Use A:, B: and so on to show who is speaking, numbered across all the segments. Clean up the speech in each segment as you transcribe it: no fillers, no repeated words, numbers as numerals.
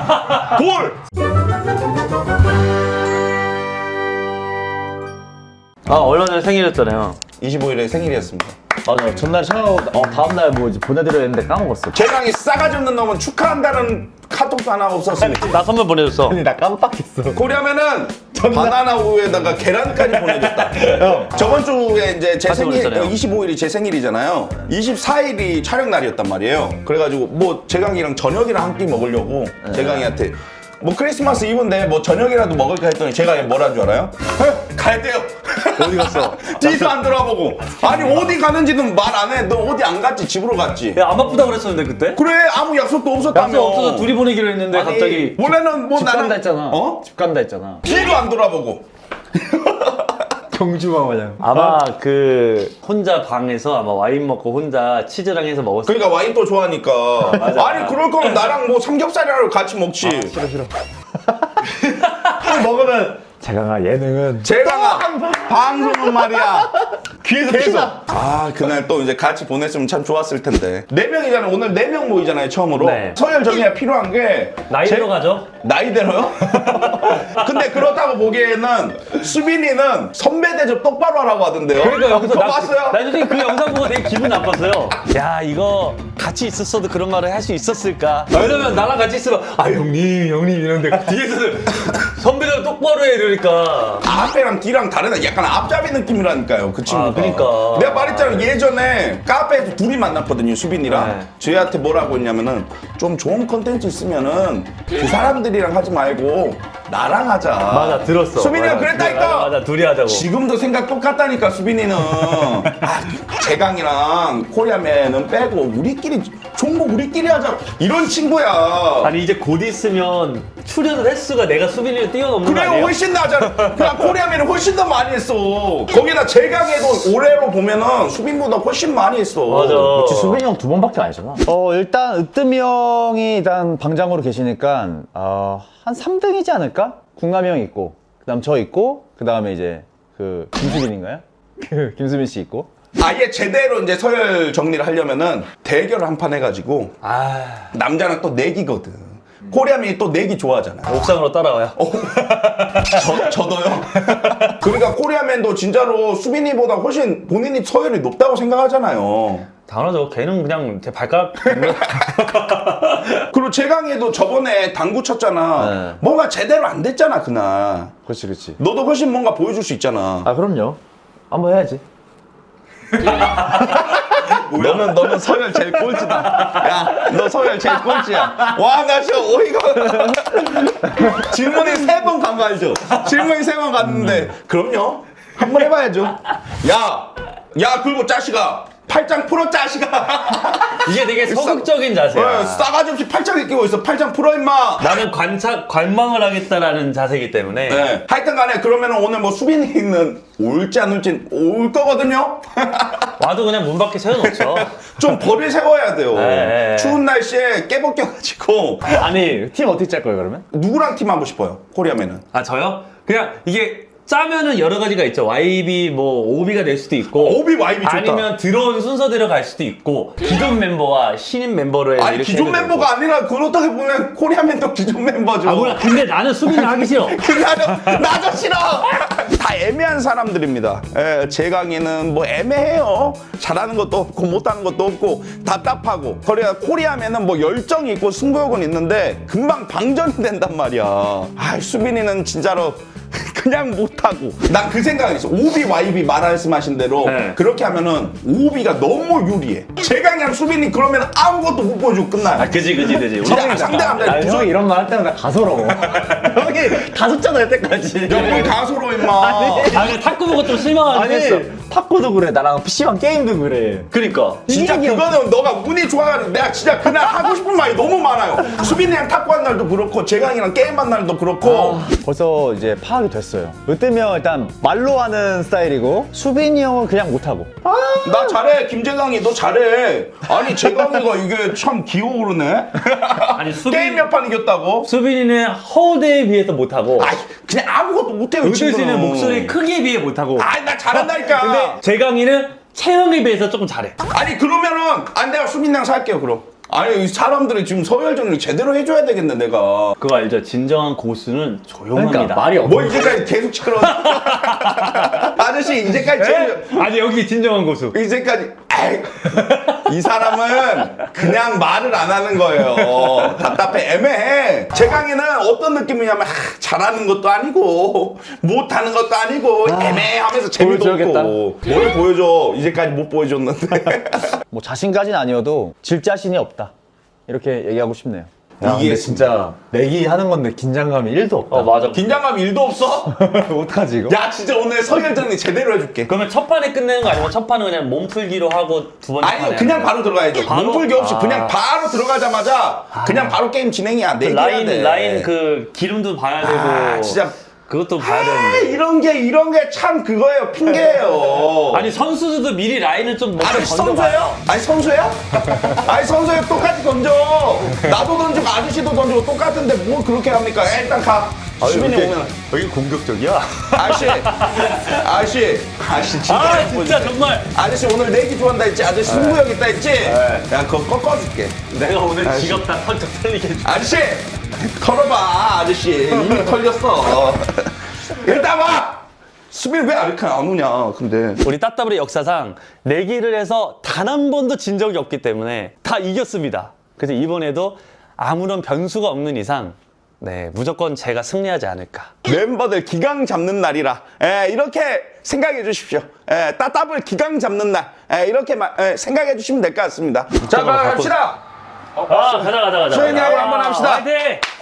A: 골!
B: 아, 얼마 전에 생일이었잖아요.
A: 25일에 생일이었습니다.
C: 맞아. 전날 전화하고 다음날 뭐 이제 보내드려야 했는데 까먹었어.
A: 재강이 싸가지 없는 놈은 축하한다는 카톡도 하나 없었습니다.
B: 나 선물 보내줬어.
C: 아니 나 깜빡했어.
A: 코리아면은 바나나 우유에다가 계란까지 보내줬다.
C: 형.
A: 저번 주에 이제 제
B: 같이
A: 생일,
B: 보냈잖아요.
A: 25일이 제 생일이잖아요. 24일이 촬영 날이었단 말이에요. 그래가지고 뭐 재강이랑 저녁이랑 한 끼 먹으려고 재강이한테 뭐 크리스마스 이브인데 뭐 저녁이라도 먹을까 했더니 제가 뭐라는 줄 알아요? 가야 돼요.
C: 어디 갔어?
A: 뒤도 안 돌아보고. 아니 어디 가는지는 말 안 해. 너 어디 안 갔지? 집으로 갔지.
B: 야, 안 바쁘다 그랬었는데, 그때?
A: 그래 아무 약속도 없었다며.
B: 약속 없어서 둘이 보내기로 했는데,
A: 아니,
B: 갑자기.
A: 원래는 뭐
C: 집
A: 나는
C: 간다 했잖아.
A: 어?
C: 집 간다 했잖아.
A: 뒤도 안 돌아보고.
C: 경주마 마냥.
B: 아마 혼자 방에서 아마 와인 먹고 혼자 치즈랑 해서 먹었을
A: 그러니까 와인 또 좋아하니까.
B: 맞아.
A: 아니 그럴 거면 나랑 뭐 삼겹살이라도 같이 먹지.
C: 싫어. 먹으면 재강아 예능은
A: 재강아 방송은 말이야 귀에서 피나. 아 그날 또 이제 같이 보냈으면 참 좋았을 텐데. 4명이잖아. 오늘 4명 모이잖아요 처음으로.
B: 네.
A: 서열 정리가 필요한 게
B: 나이대로 가죠?
A: 나이대로요? 근데 그렇다고 보기에는 수빈이는 선배 대접 똑바로 하라고 하던데요.
B: 그러니까 여기서
A: 그거 봤어요?
B: 나 솔직히 그 영상 보고 되게 기분 나빴어요. 야, 이거 같이 있었어도 그런 말을 할 수 있었을까? 왜냐면 나랑 같이 있으면 아, 형님 이러는데 뒤에서는 선배들 똑바로 해 이러니까.
A: 앞에랑 뒤랑 다르다. 약간 앞잡이 느낌이라니까요 그 친구가.
B: 그러니까.
A: 내가 말했잖아 예전에 카페에서 둘이 만났거든요 수빈이랑.
B: 네.
A: 저희한테 뭐라고 했냐면은 좀 좋은 컨텐츠 있으면은 그 사람들이랑 하지 말고 나랑 하자.
B: 맞아, 들었어.
A: 수빈이가
B: 맞아,
A: 그랬다니까.
B: 맞아, 둘이 하자고.
A: 지금도 생각 똑같다니까 수빈이는. 재강이랑 코리아맨은 빼고 우리끼리 좋은 거 우리끼리 하자 이런 친구야.
B: 아니 이제 곧 있으면 출연 횟수가 내가 수빈이를 뛰어넘는 거
A: 그래요
B: 아니에요?
A: 훨씬 나잖아. 그냥 코리아맨은 훨씬 더 많이 했어. 거기다 재강에도 올해로 보면은 수빈보다 훨씬 많이 했어.
B: 맞아.
C: 그렇지 수빈이 형 2번밖에 안 했잖아. 일단 으뜸이 형이 일단 방장으로 계시니까 한 3등이지 않을까? 궁남이 형 있고 그다음 저 있고 그다음에 이제 김수빈인가요? 김수빈 씨 있고.
A: 아예 제대로 이제 서열 정리를 하려면은 대결을 한 판 해가지고 남자는 또 내기거든. 코리아맨이 또 내기 좋아하잖아.
B: 옥상으로 따라와요.
A: 저도요. 그러니까 코리아맨도 진짜로 수빈이보다 훨씬 본인이 서열이 높다고 생각하잖아요.
B: 당연하죠. 걔는 그냥 제 발가락
A: 그리고 재강이도 저번에 당구 쳤잖아.
C: 네.
A: 뭔가 제대로 안 됐잖아 그날.
C: 그렇지.
A: 너도 훨씬 뭔가 보여줄 수 있잖아.
C: 그럼요. 한번 해야지.
A: 너는 서열 제일 꼴찌다. 야, 너 서열 제일 꼴찌야. 와, 나 진짜 어이가. 질문이 3번 간 거 알죠? 질문이 3번 갔는데, 그럼요. 한번 해봐야죠. 야, 그리고 짜식아. 팔짱 풀어, 짜식아.
B: 이게 되게 서극적인 자세야.
A: 싸가지 없이 팔짱 끼고 있어. 팔짱 풀어, 임마.
B: 나는 관망을 하겠다라는 자세이기 때문에.
A: 네. 하여튼 간에 그러면 오늘 뭐 수빈이는 올지 안 올지 올 거거든요?
B: 와도 그냥 문 밖에 세워놓죠.
A: 좀 벌을 세워야 돼요.
B: 네.
A: 추운 날씨에 깨벗겨가지고.
C: 아니 팀 어떻게 짤 거예요 그러면?
A: 누구랑 팀 하고 싶어요? 코리아맨은.
B: 아, 저요? 그냥 이게 짜면은 여러 가지가 있죠. YB 뭐 OB가 될 수도 있고,
A: OB, YB 좋다.
B: 아니면 들어온 순서대로 갈 수도 있고, 기존 멤버와 신인 멤버를
A: 아니
B: 이렇게
A: 기존
B: 해도
A: 멤버가
B: 되고.
A: 아니라 그렇다고 보면 코리아맨도 기존 멤버죠.
B: 아, 몰라. 근데 나는 수빈이 하기 싫어.
A: 나도 싫어. 다 애매한 사람들입니다. 재강이는 뭐 애매해요. 잘하는 것도 없고 못하는 것도 없고 답답하고. 코리아맨은 뭐 열정이 있고 승부욕은 있는데 금방 방전이 된단 말이야. 아 수빈이는 진짜로 그냥 못하고. 난 그 생각이 있어. 오비 YB 말씀하신 대로
B: 네.
A: 그렇게 하면은 오비가 너무 유리해. 재강이랑 수빈이 그러면 아무것도 못 보여주고 끝나요.
B: 아, 그지.
A: 진짜 상대가
C: 형이 이런 말 할 때마다 가소로워. 형이 다 줬잖아 여태까지.
A: 뭘 가소로 임마.
B: 아, 근데 탁구 보고 좀 실망하긴 했어.
C: 탁구도 그래 나랑 PC방 게임도 그래.
B: 그러니까.
A: 진짜 그거는 너가 운이 좋아가지고 내가 진짜 그날 하고 싶은 말이 너무 많아요. 수빈이랑 탁구한 날도 그렇고 재강이랑 게임한 날도 그렇고.
C: 벌써 이제 파악이 됐어요. 으뜸이 형 일단 말로 하는 스타일이고 수빈이 형은 그냥 못하고.
A: 나 잘해. 김재강이 너 잘해. 아니 재강이가 이게 참 기어오르네.
B: 아니,
A: 게임 몇 판 이겼다고?
B: 수빈이는 허우대에 비해서 못하고,
A: 아이 그냥 아무것도 못해요. 이
B: 의대 씨는
A: 친구는.
B: 목소리 크기에 비해 못하고,
A: 아이 나 잘한다니까.
B: 근데 재강이는 체형에 비해서 조금 잘해.
A: 아니 그러면은 내가 수빈이랑 살게요 그럼. 아니 이 사람들이 지금 서열 정리 제대로 해줘야 되겠네 내가.
B: 그거 알죠? 진정한 고수는 조용합니다.
C: 그러니까 말이 없어.
A: 뭐 이제까지 계속 시끄러워. 아저씨 이제까지 제일
B: 아니 여기 진정한 고수.
A: 이제까지 아이, 이 사람은 그냥 말을 안 하는 거예요. 답답해 애매해. 제 강의는 어떤 느낌이냐면 잘하는 것도 아니고 못하는 것도 아니고 애매하면서 재미도
C: 보여줘야겠다.
A: 없고. 뭘 보여줘. 이제까지 못 보여줬는데.
C: 뭐 자신까지는 아니어도 질 자신이 없다. 이렇게 얘기하고 싶네요. 야,
A: 이게
C: 근데 진짜 내기 하는 건데 긴장감이 1도 없다.
B: 맞아.
A: 긴장감 1도 없어?
C: 어떡하지 이거?
A: 야 진짜 오늘 서열 정리 제대로 해줄게.
B: 그러면 첫 판에 끝내는 거 아니면 첫 판은 그냥 몸풀기로 하고 두 번째 판에
A: 아니 그냥 바로 들어가야죠.
B: 바로?
A: 몸풀기 없이
B: 아.
A: 그냥 바로 들어가자마자 그냥 바로 게임 진행이야.
B: 그
A: 내기해야 돼.
B: 라인 그 기름도 봐야 되고
A: 아, 진짜
B: 그것도 봐야
A: 아,
B: 되는데.
A: 이런 게 참 그거예요. 핑계예요.
B: 아니 선수들도 미리 라인을 좀 먼저
A: 아니
B: 던져봐요.
A: 선수예요? 아니 선수야? 아니 선수야 똑같이 던져. 나도 던지고 아저씨도 던지고 똑같은데 뭘 그렇게 합니까? 일단 가. 수빈이 오면
C: 여기 공격적이야?
A: 아저씨 진짜
B: 아
A: 예쁘지?
B: 진짜 정말
A: 아저씨 오늘 내기 좋아한다 했지? 아저씨 승부욕 있다 했지? 야 그거 꺾어줄게.
B: 내가 오늘 지갑 다 털쩍 털리게 해줄게.
A: 아저씨 털어봐 아저씨 이미 털렸어. 일단 와. 수빈이 왜 이렇게 안 오냐 근데.
B: 우리 따따블의 역사상 내기를 해서 단 한 번도 진 적이 없기 때문에 다 이겼습니다. 그래서 이번에도 아무런 변수가 없는 이상 네 무조건 제가 승리하지 않을까.
A: 멤버들 기강 잡는 날이라 이렇게 생각해 주십시오. 따따블 기강 잡는 날 이렇게 생각해 주시면 될 것 같습니다. 자 그럼 갑시다.
B: 가자.
A: 수현이 하고 한번 합시다.
B: 화이팅!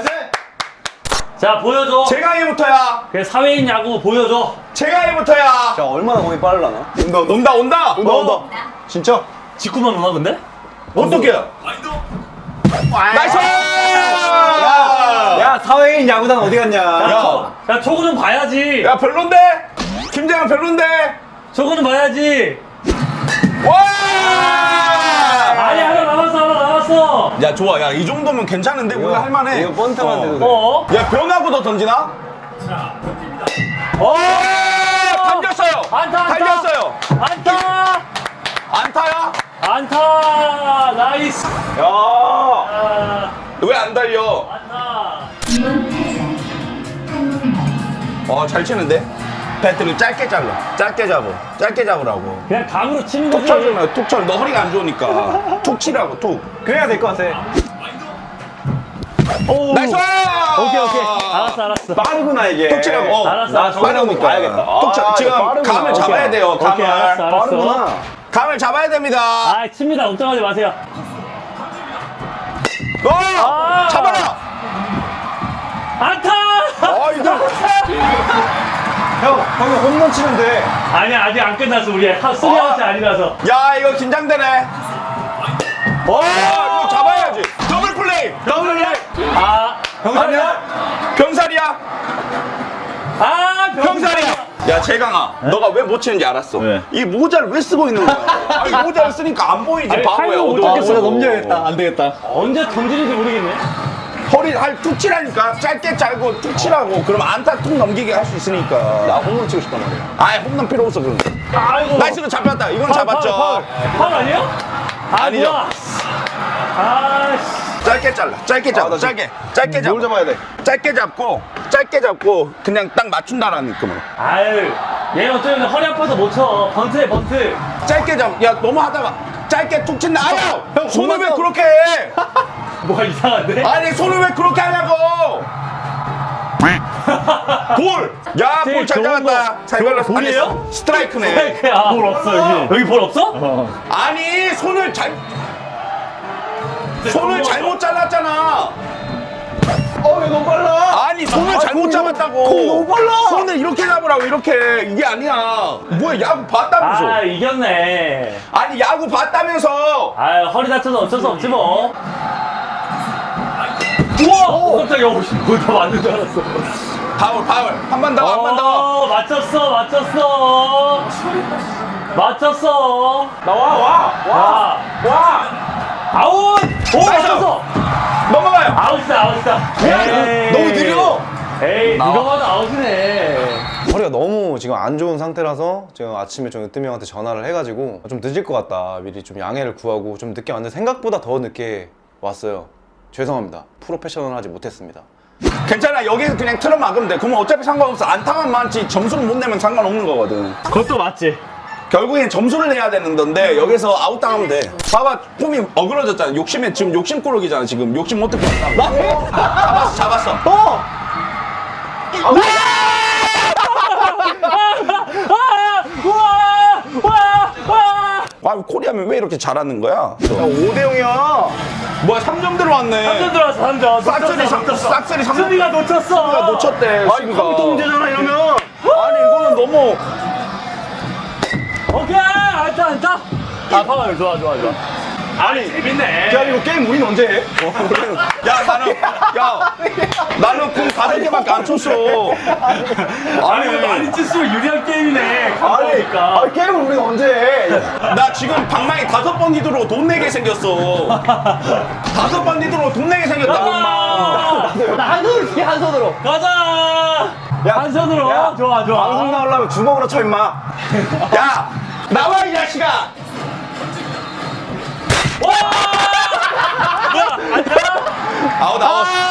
B: 자 보여줘.
A: 제가 해부터야.
B: 그래 사회인 야구 보여줘.
A: 제가 해부터야.
C: 자 얼마나 공이 빠르려나?
A: 온다.
C: 진짜?
B: 직구만 오나 근데?
A: 어떡해요? 나이스!
C: 야 사회인 야구단 어디 갔냐?
B: 야 저거 좀 봐야지.
A: 야 별론데? 김재환 별론데?
B: 저거는 봐야지.
A: 와!
B: 아니 하나 남았어.
A: 야 좋아. 야 이 정도면 괜찮은데 우리가 할만해.
C: 이거 번트만 돼도 돼.
B: 어?
A: 야 변하고 더 던지나? 던졌어요.
B: 안타.
A: 달렸어요.
B: 안타.
A: 안타야?
B: 안타. 나이스.
A: 야.
B: 아,
A: 왜 안 달려?
B: 안타.
A: 잘 치는데? 배트를 짧게 잘라. 짧게 잡으라고.
B: 그냥 감으로 치는
A: 툭
B: 거지.
A: 쳐주면 툭 쳐. 너 허리가 안 좋으니까. 툭 치라고 툭.
C: 그래야 될 것 같아.
B: 오.
A: 나이스!
B: 오케이. 알았어.
C: 빠르구나 이게.
A: 툭 치라고.
B: 알았어.
C: 나 저거
A: 빠르니까.
C: 봐야겠다.
A: 툭 쳐. 지금
C: 빠르구나.
A: 감을
C: 오케이.
A: 잡아야 돼요. 감을.
B: 오케이, 알았어.
C: 빠르구나.
A: 감을 잡아야 됩니다.
B: 아, 칩니다. 걱정하지 마세요.
A: 잡아라.
B: 안타!
A: 이거.
C: 형이 홈런 치면 돼.
B: 아니야, 아직 안 끝났어. 우리 수비하우스 아니라서.
A: 야 이거 긴장되네. 이거 잡아야지. 더블 플레이.
B: 아,
A: 아니야? 병살이야. 병살이야. 야 재강아, 너가 왜 못 치는지 알았어.
C: 왜?
A: 이 모자를 왜 쓰고 있는 거야? 아니 모자를 쓰니까 안 보이지
B: 아니,
A: 바보야.
B: 팔로
A: 어두워.
B: 어떻게 써?
C: 넘겨야겠다. 안 되겠다.
B: 언제 던지는지 모르겠네.
A: 허리 툭 치라니까. 짧게 짧고 툭 치라고. 그럼 안타 툭 넘기게 할 수 있으니까.
C: 나 홈런 치고 싶단 말이야.
A: 아예 홈런 필요 없어 그런 거.
B: 아이고.
A: 나이스 이거 잡혔다. 이건 잡았죠.
B: 파울 아니에요?
A: 아니죠.
B: 뭐야. 아씨.
A: 짧게 잘라. 짧게 잡아.
C: 나
A: 짧게 잡아.
C: 뭘 잡아야 돼?
A: 짧게 잡고 그냥 딱 맞춘다라는 느낌으로.
B: 아유. 얘 어쩌면 허리 아파서 못 쳐. 번트해, 번트.
A: 짧게 잡. 야 너무 하다가 짧게 툭 친다. 아야.
C: 형,
A: 손을 왜
C: 그만
A: 그렇게 해?
B: 뭐가 이상한데?
A: 아니 손을 왜 그렇게 하냐고. 볼. 야 볼 잘
B: 좋은
A: 잡았다.
B: 거.
A: 잘 걸렸어.
B: 볼이에요?
A: 아니, 스트라이크네.
B: 아, 볼 없어, 여기 볼 없어?
A: 아니 손을 잘못 잘랐잖아.
C: 왜 너무 빨라?
A: 아니 손을 잘못 잡았다고.
C: 너무 빨라.
A: 손을 이렇게 잡으라고. 이렇게. 이게 아니야. 뭐야 야구 봤다면서.
B: 아, 이겼네.
A: 아니 야구 봤다면서.
B: 아유, 허리 다쳐서 어쩔 수 없지 뭐. 우와! 깜짝이야, 다 맞는 줄 알았어.
A: 파울. 한 번 더.
B: 맞췄어.
C: 나와.
B: 아웃! 오,
A: 나이스!
B: 맞췄어!
A: 넘어가요.
B: 아웃이다.
A: 야, 이거 너무 느려.
B: 에이, 누가 봐도 아웃이네.
D: 허리가 너무 지금 안 좋은 상태라서 제가 아침에 좀 으뜸이 형한테 전화를 해가지고 좀 늦을 것 같다, 미리 좀 양해를 구하고 좀 늦게 왔는데 생각보다 더 늦게 왔어요. 죄송합니다. 프로페셔널하지 못했습니다.
A: 괜찮아. 여기서 그냥 틀어 막으면 돼. 그러면 어차피 상관없어. 안타만 많지 점수를 못 내면 상관없는 거거든.
B: 그것도 맞지.
A: 결국엔 점수를 내야 되는 건데 여기서 아웃당하면 돼. 봐봐, 폼이 어그러졌잖아. 욕심에 지금 욕심꾸러기잖아. 지금 욕심 어떻게 했다. 잡았어. 아, 코리아면 왜 이렇게 잘하는 거야?
C: 5대0이야.
A: 뭐야, 3점 들어왔네.
B: 3점 들어왔어, 3점.
A: 싹쓸이 3점.
B: 수비가 놓쳤어.
A: 놓쳤대.
C: 아니, 컴동제잖아, 이러면.
A: 아니, 이거는 너무.
B: 오케이, 안타. 아, 파울, 좋아. 아니, 재밌네.
C: 야, 이거 게임 우린 언제 해?
A: 나는 공 5개밖에 안 쳤어.
B: 아니, 이거 많이 칠수록 유리한 게임이네. 감사하니까.
C: 아니, 게임을 우린 언제 해?
A: 나 지금 방망이 5번 히드로 돈 내게 생겼어. 5번 히드로 돈 내게 생겼다고, 임마.
C: 한 손으로 해, 한 손으로.
B: 가자. 한 손으로.
C: 야,
B: 좋아.
C: 방송 나오려면 주먹으로 쳐, 임마.
A: 야, 나와, 이 자식아. 아웃.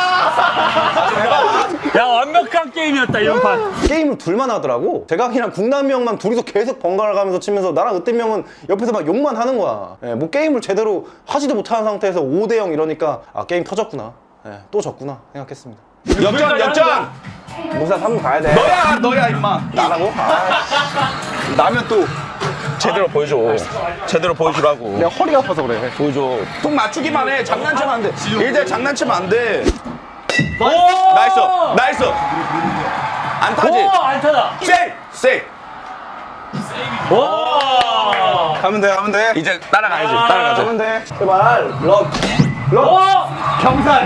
B: 야, 완벽한 게임이었다, 이번 판.
D: 게임을 둘만 하더라고. 제각이랑 국남이 형만 둘이서 계속 번갈아 가면서 치면서 나랑 으뜸이 형은 옆에서 막 욕만 하는 거야. 예, 뭐 게임을 제대로 하지도 못하는 상태에서 5대0 이러니까 아, 게임 터졌구나. 예, 또 졌구나 생각했습니다.
A: 역전.
C: 무사 3분 가야 돼.
A: 너야, 임마. 나라고? 나면 또 제대로 보여줘. 제대로 보여주라고.
C: 내가 허리가 아파서 그래.
A: 보여줘. 통 맞추기만 해. 장난치면 안 돼. 일대 장난치면 안 돼.
B: 오!
A: 나이스. 안 타지?
B: 오, 안타다.
A: 세이.
B: 오!
C: 가면 돼.
A: 이제 따라가자.
C: 가면 돼. 제발. 럭.
B: 오!
C: 경산.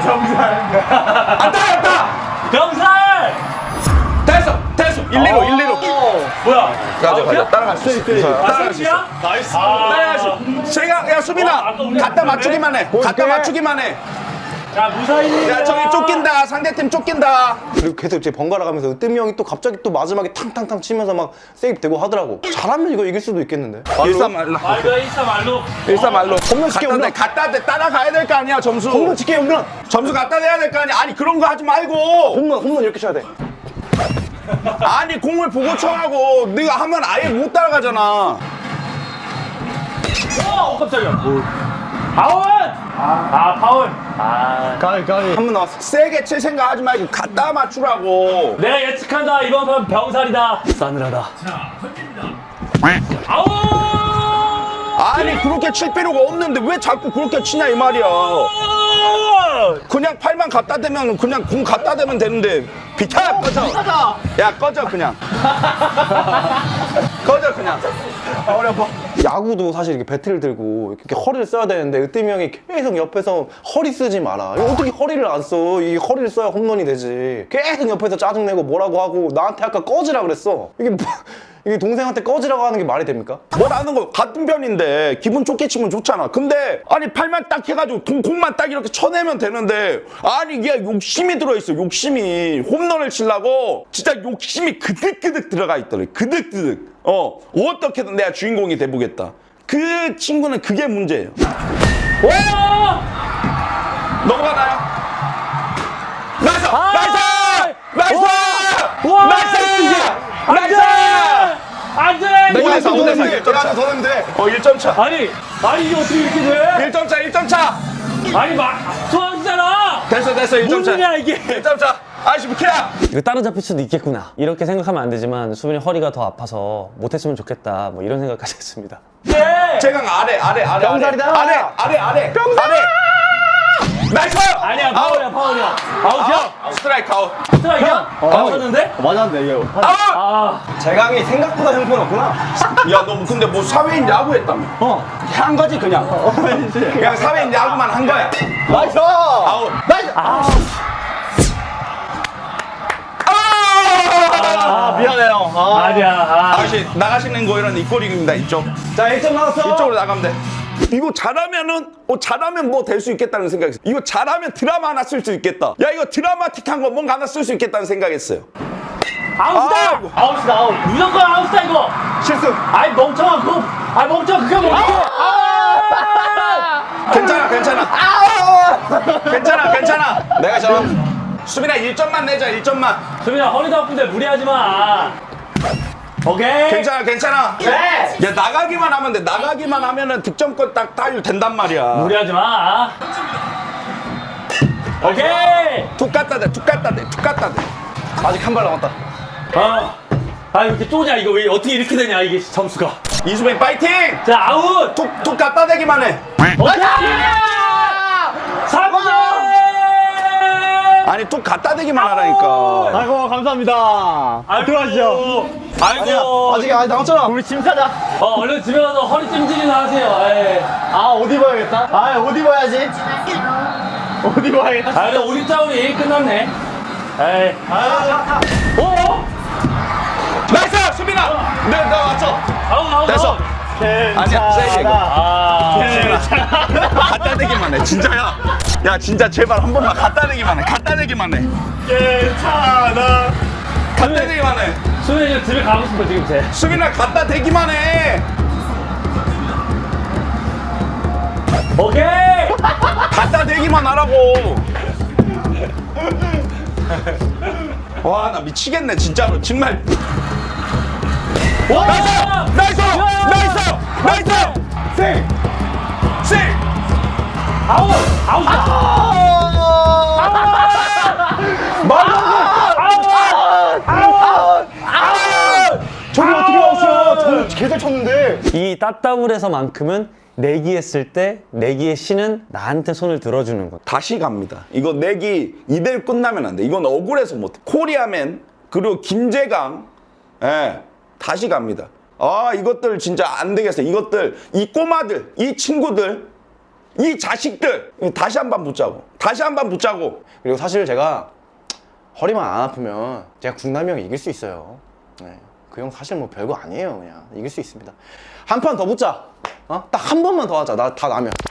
A: 안타.
B: 병살!
A: 됐어. 1-2로.
B: 뭐야?
A: 가자. 따라갈 수 있어. 따라갈 수 있어.
B: 나이스야? 나이스.
A: 따라가야지. 야, 수빈아.
B: 아까 우리
A: 갖다
B: 맞췄네?
A: 맞추기만 해.
B: 자, 무사히.
A: 야, 저기 쫓긴다. 상대팀 쫓긴다.
D: 그리고 계속 이제 번갈아 가면서 으뜸이 형이 또 갑자기 또 마지막에 탕탕탕 치면서 막 세이브 되고 하더라고. 잘하면 이거 이길 수도 있겠는데.
A: 일사말로.
B: 말도 일사말로.
A: 홈런 갖다 대 따라가야 될 거 아니야, 점수.
C: 홈런 칠게, 홈런.
A: 점수 갖다 대야 될 거 아니야. 아니, 그런 거 하지 말고.
C: 홈런 이렇게 쳐야 돼.
A: 아니, 공을 보고 쳐라고. 네가 하면 아예 못 따라가잖아.
B: 오, 깜짝이야. 파울! 파울.
C: 가위.
A: 한번 나왔어. 세게 칠 생각 하지 말고 갖다 맞추라고.
B: 내가 예측한다. 이번 판 병살이다. 싸늘하다. 아우!
A: 아니, 그렇게 칠 필요가 없는데 왜 자꾸 그렇게 치냐, 이 말이야. 그냥 팔만 갖다 대면 그냥 공 갖다 대면 되는데 비타야, 꺼져. 야, 꺼져 그냥. 꺼져 그냥.
C: 허리 아파.
D: 야구도 사실 이렇게 배트를 들고 이렇게 허리를 써야 되는데 으뜸이 형이 계속 옆에서 허리 쓰지 마라. 이거 어떻게 허리를 안 써? 이 허리를 써야 홈런이 되지. 계속 옆에서 짜증내고 뭐라고 하고 나한테 아까 꺼지라 그랬어. 이게 동생한테 꺼지라고 하는 게 말이 됩니까?
A: 뭐라는 거 같은 편인데 기분 좋게 치면 좋잖아. 근데 아니 팔만 딱 해가지고 공만 딱 이렇게 쳐내면 되는데 아니 이게 욕심이 들어있어. 욕심이 홈런을 치려고 진짜 욕심이 그득그득 들어가 있더래. 그득그득. 어떻게든 내가 주인공이 돼보겠다. 그 친구는 그게 문제예요. 넘어가나요? 나이스! 나이스!
B: 안 돼!
A: 내가 1점 차.
C: 더 내면 돼.
A: 1점 차.
B: 아니 이게 어떻게 이렇게 돼?
A: 1점 차, 1점 차.
B: 아니 소환이잖아.
A: 됐어, 1점 차.
B: 무슨이야 이게?
A: 1점 차. 아이씨, 무키야.
E: 이거 따라잡힐 수도 있겠구나 이렇게 생각하면 안 되지만 수빈이 허리가 더 아파서 못했으면 좋겠다 뭐 이런 생각까지 했습니다.
B: 네.
A: 제강 아래.
C: 병살이다.
A: 아래. 병살. 나이스!
B: 아니야 파울이야. 아웃이야?
A: 스트라이크 아웃.
B: 스트라이크야? 맞았는데?
C: 맞았네, 이거. 재강이 생각보다 형편없구나.
A: 야, 너 근데 뭐 사회인 야구 했다며? 한 거지 그냥. 그냥 사회인 야구만 한 거야.
C: 나이스!
A: 아웃.
C: 미안해요.
B: 아니야.
A: 아저씨 나가시는 거 이런 이꼬링입니다. 이쪽.
C: 자, 1점 나왔어.
A: 이쪽으로 나가면 돼. 이거 잘하면은 잘하면 뭐 될 수 있겠다는 생각했어. 이거 잘하면 드라마 하나 쓸 수 있겠다. 야, 이거 드라마틱한 거 뭔가 하나 쓸 수 있겠다는 생각했어요.
B: 아웃이다!
A: 아이고.
B: 아웃이다, 아웃. 무조건 아웃이다, 이거.
A: 실수.
B: 아이, 멍청아, 그거. 아이, 멍청아, 그게 뭐야?
A: 괜찮아, 괜찮아. 괜찮아, 괜찮아. 내가 수빈아 1점만 내자, 1점만.
B: 수빈아, 허리도 아픈데 무리하지 마. 오케이.
A: 괜찮아, 괜찮아.
B: 네.
A: 야, 나가기만 하면 돼. 나가기만 하면은 득점권 딱 따일 된단 말이야.
B: 무리하지 마. 오케이.
A: 툭 갖다 대, 툭 갖다 대, 툭 갖다 대.
D: 아직 한 발 남았다.
B: 아, 이렇게 쪼냐, 이거 왜 어떻게 이렇게 되냐, 이게 점수가.
A: 이수빈 파이팅!
B: 자, 아웃.
A: 툭 갖다 대기만 해.
B: 오케이. 3점.
A: 아니, 툭 갖다 대기만 하라니까.
C: 아이고 감사합니다.
B: 들어가시죠. 아이고.
D: 아직 남았잖아.
C: 우리 짐 사자.
B: 얼른 집에 가서 허리 찜질이나 하세요. 에이.
C: 아 옷 입어야겠다. 아 옷 입어야지. 옷 입어야겠다.
B: 아, 근데 우리 짜울이 끝났네. 에이. 오!
A: 나이스! 수빈아! 네, 나 왔어.
B: 아웃.
A: 됐어. 아니야, 세이브 이거.
B: 아.
A: 갖다 대기만 해, 진짜야. 야, 진짜 제발 한 번만 갖다 대기만 해. 갖다 대기만 해.
C: 괜찮아.
A: 갖다 대기만 해.
B: 수빈이 지금 집에 가고 싶어, 지금 쟤.
A: 수빈아, 갖다 대기만 해.
B: 오케이!
A: 갖다 대기만 하라고. 와, 나 미치겠네, 진짜로. 정말.
B: 와!
A: 나이스! 나이스! 나이스! 세! 세!
B: 아웃! 아웃!
D: 저기 어떻게 아웃이야? 저 개잘 쳤는데.
E: 이 따따블에서만큼은 내기했을 때 내기의 신은 나한테 손을 들어주는 것.
A: 다시 갑니다. 이거 내기 2대1 끝나면 안 돼. 이건 억울해서 못해. 코리아맨, 그리고 김재강, 예, 다시 갑니다. 아, 이것들 진짜 안 되겠어. 이것들, 이 꼬마들, 이 친구들, 이 자식들, 다시 한 번 붙자고. 다시 한 번 붙자고.
D: 그리고 사실 제가 허리만 안 아프면 제가 국남이 형이 이길 수 있어요. 네. 그 형 사실 뭐 별거 아니에요. 그냥 이길 수 있습니다. 한 판 더 붙자. 딱 한 번만 더 하자. 나 다 나면.